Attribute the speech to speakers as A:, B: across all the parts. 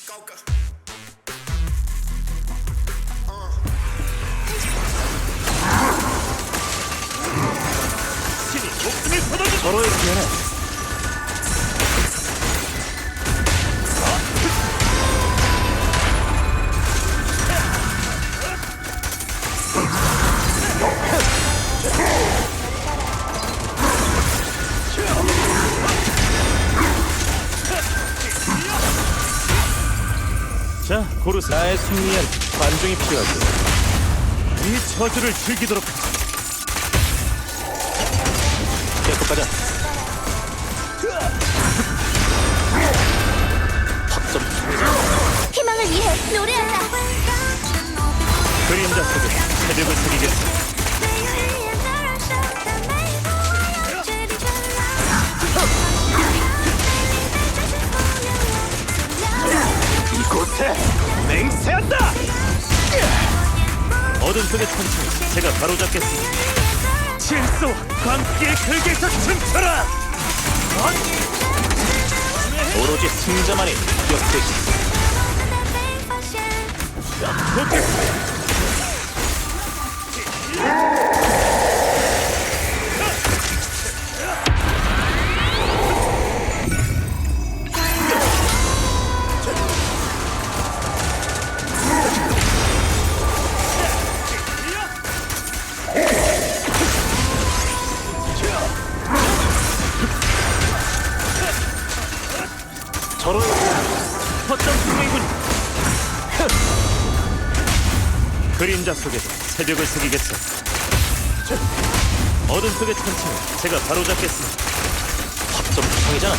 A: 신이 목숨을 거둬주
B: 서로의 기회는
A: 자, 고르세.
B: 나의 승리엔 관중이 필요하지.
A: 이 저주를 즐기도록 하자.
B: 계속 가자. 확점.
C: 희망을 위해 노래한다.
A: 그림자 속에 새벽을 새기겠어.
B: 이곳에 맹세한다.
A: 어둠 속의 천천히 제가 바로잡겠습니다. 질서와 광기의 결계에서 춤춰라.
B: 오로지 승자만이 기억되지.
A: 돕겠습니다.
B: 서로의
A: 허점 투명이군. 그림자 속에서 새벽을 새기겠어. 어둠 속의 천천히 제가 바로잡겠습니다.
B: 확점 투성이잖아.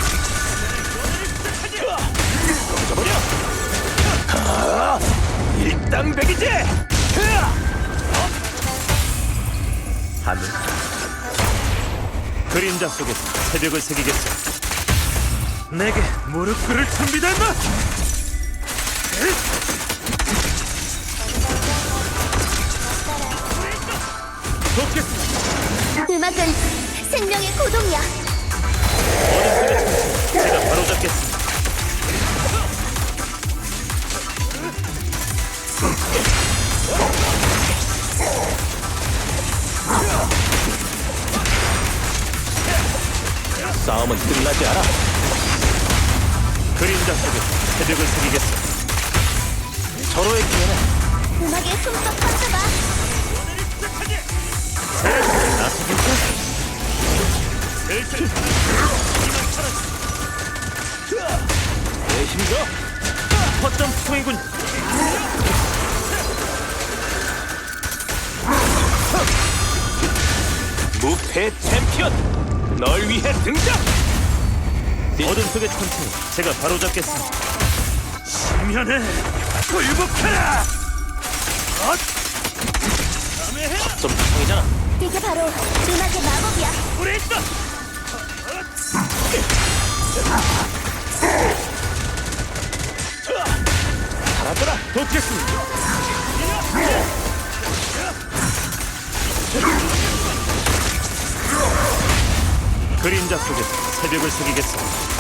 B: 던져버려. 일당백이지.
A: 하늘. 그림자 속에서 새벽을 새기겠어. 내게 무릎 꿇을 준비다 임마. 돕겠습니다.
C: 음악은 생명의 고동이야.
A: 어둠 속의 천천히 제가 바로잡겠습니다.
B: 싸움은 끝나지 않아.
A: 그림자 속에서 새벽을 새기겠어.
B: 서로의 기회는
C: 음악에 흠뻑 빠져봐.
A: 나서볼까? 슬슬
B: 내 힘줘.
A: 허점 투성이군.
B: 무패 챔피언, 널 위해 등장.
A: 어둠 속의 천천히 제가 바로잡겠습니다. 심연에 굴복하라.
B: 좀 투성이잖아.
C: 이게 바로 음악의 마법이야.
A: 우리 있어.
B: 살아더라.
A: 돕겠습니다. 그림자 속에서 새벽을 새기겠어.